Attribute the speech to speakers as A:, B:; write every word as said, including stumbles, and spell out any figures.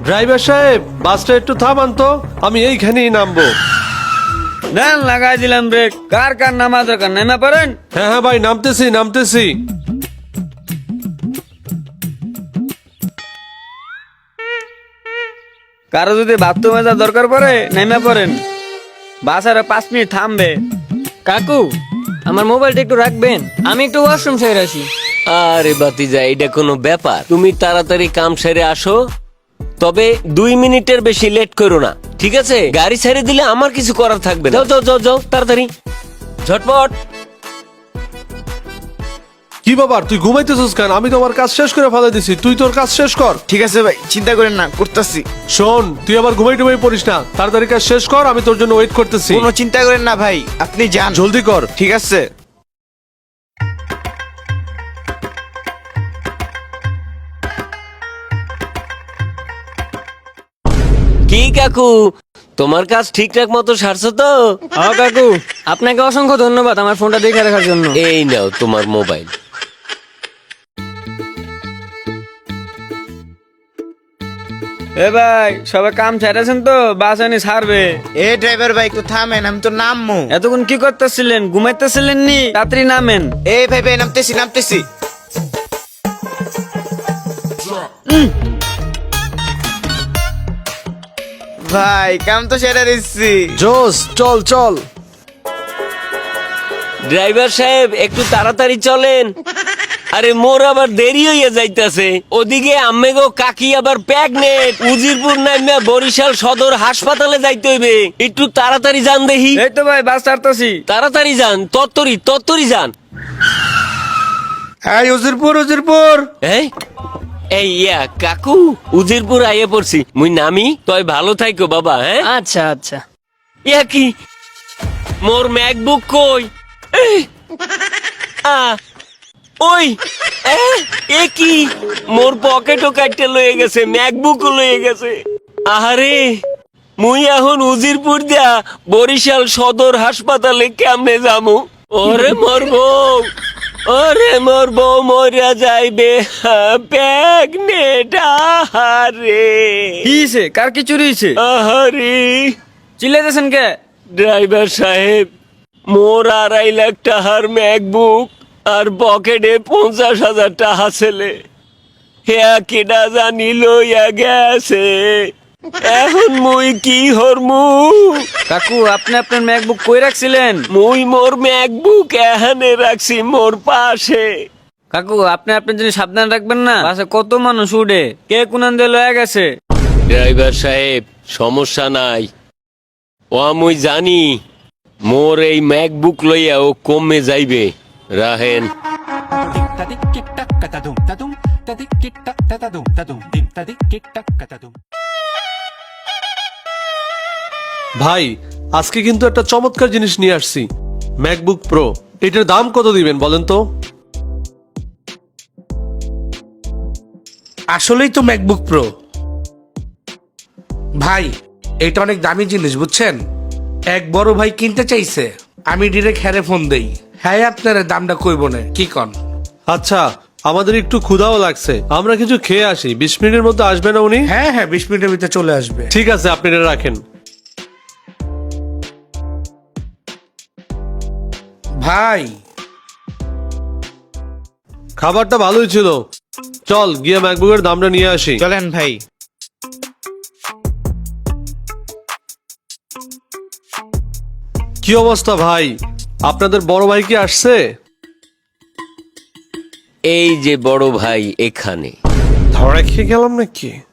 A: Driver সাহেব, বাসটা একটু থামান তো, আমি এইখানেই নামবো।
B: দেন লাগাই দিলাম ব্রেক। কার কার নামা দরকার, নেমে পড়েন।
A: হ্যাঁ হ্যাঁ ভাই, নামতেছি নামতেছি।
B: কারো যদি বাথরুমে যা দরকার পড়ে নেমে পড়েন, বাস আর পাঁচ মিনিট থামবে।
C: কাকু, আমার মোবাইলটা একটু রাখবেন, আমি একটু ওয়াশরুম সেরে আসি।
D: আরে বাতিজা, এটা কোনো ব্যাপার? তুমি তাড়াতাড়ি কাম সেরে আসো, তবে দুই মিনিটের বেশি লেট করো না, ঠিক আছে? গাড়ি ছেড়ে দিলে আমার কিছু করার থাকবে না। যাও যাও যাও যাও, তাড়াতাড়ি ঝটপট।
A: কি বাবা, তুই ঘুমাইতেছিস কেন? আমি তোমার কাজ শেষ করে ফেলে দিছি, তুই তোর কাজ শেষ কর।
E: ঠিক আছে ভাই, চিন্তা করেন না, করতেছি।
A: শোন, তুই আবার ঘুমাই টুমাই পড়িস না, তাড়াতাড়ি কাজ শেষ কর, আমি তোর জন্য ওয়েট করতেছি।
E: কোনো চিন্তা করেন না ভাই, আপনি যান,
A: জলদি কর।
E: ঠিক আছে।
D: কি কাকু, তোমার কাজ ঠিকঠাক মতো সারছো তো?
C: হ্যাঁ কাকু, আপনাকে অসংখ্য ধন্যবাদ আমার ফোনটা দেখে রাখার জন্য।
D: এই নাও তোমার মোবাইল।
B: এ ভাই, সবাই কাম ছেড়েছেন তো? বাস আনি ছাড়বে।
E: এ ড্রাইভার ভাই, একটু থামেন, আমি তো নামবো।
B: এতক্ষণ কি করতেছিলেন? ঘুমাইতেছিলেন নি? তাড়াতাড়ি নামেন।
E: এ ভাই ভাই, নামতেছি নামতেছি। ভাই, কাম তো সেরে দিচ্ছি।
A: জোস, চল চল।
D: ড্রাইভার সাহেব, একটু তাড়াতাড়ি চলেন। আরে মোর আবার দেরি হইয়া যাইতাছে। ওদিকে আম্মেগো কাকি আবার প্রেগনেন্ট, উজিরপুর নাইমা বরিশাল সদর হাসপাতালে যাইতে হইবে। একটু তাড়াতাড়ি যান দেখি।
B: এই তো ভাই, বাস ছাড়তেছি।
D: তাড়াতাড়ি যান, তত্তরি তত্তরি যান।
E: হ্যাঁ, উজিরপুর উজিরপুর।
D: এই এই ইয়া কাকু, উজিরপুর আইয়ে পড়ছি, মুই নামি। তয় ভালো থাইকো বাবা। হ্যাঁ
C: আচ্ছা আচ্ছা।
D: ইয়া কি, মোর ম্যাকবুক কই? এই, আ ওই এ, এ কি, মোর পকেটও কাটতে লয়ে গেছে, ম্যাকবুকও লয়ে গেছে। আহারে, মুই এখন উজিরপুর দিয়া বরিশাল সদর হাসপাতালে কেমনে যামু? ওরে মোর বউ, ওরে মোর বউ মরিয়া যাইবে, প্রেগনেন্ট। আহারে
B: কি হইছে? কার কি চুরি হইছে?
D: আহারে,
B: চিল্লাইতেছেন কে?
D: ড্রাইভার সাহেব, মোর আড়াই লাখ টাকার ম্যাকবুক আর পকেটে পঞ্চাশ হাজার টাকা ছেলে, হ্যাঁ কেডা জানি লইয়া গেছে। এখন মুই কি হরমু?
B: কাকু, আপনি আপনার ম্যাকবুক কই রাখছিলেন?
D: মুই মোর ম্যাকবুক এখানে রাখছি, মোর পাশে।
B: কাকু, আপনি আপনার জন্য সাবধান রাখবেন না, বাসে কত মানুষ উঠে, কে কোনান দিয়ে লয়ে গেছে।
D: ড্রাইভার সাহেব, সমস্যা নাই, ও মুই জানি মোর এই ম্যাকবুক লইয়া ও কমে যাইবে। রাহেন।
A: ভাই, আজকে কিন্তু একটা চমৎকার জিনিস নিয়ে আসছি, ম্যাকবুক প্রো। এটার দাম কত দিবেন বলেন তো?
F: আসলেই তো ম্যাকবুক প্রো ভাই, এটা অনেক দামি জিনিস বুঝছেন। এক বড় ভাই কিনতে চাইছে, আমি ডিরেক্ট হ্যারে ফোন দেই, হ্যাঁ আপনার দামটা কইব না, কি কন?
A: আচ্ছা, আমাদের একটু ক্ষুধাও লাগছে, আমরা কিছু খেয়ে আসি। বিশ মিনিটের মধ্যে আসবে না উনি?
F: হ্যাঁ হ্যাঁ, বিশ মিনিটের ভিতরে চলে আসবে।
A: ঠিক আছে, আপনি এটা রাখেন।
F: ভাই,
A: খাবারটা ভালোই ছিল, চল গিয়ে ম্যাকবুকের দামটা নিয়ে আসি।
E: চলেন ভাই।
A: কি অবস্থা ভাই, আপনাদের বড় ভাই কি আসছে?
D: এই যে বড় ভাই এখানে।
A: ধরা খেয়ে গেলাম নাকি?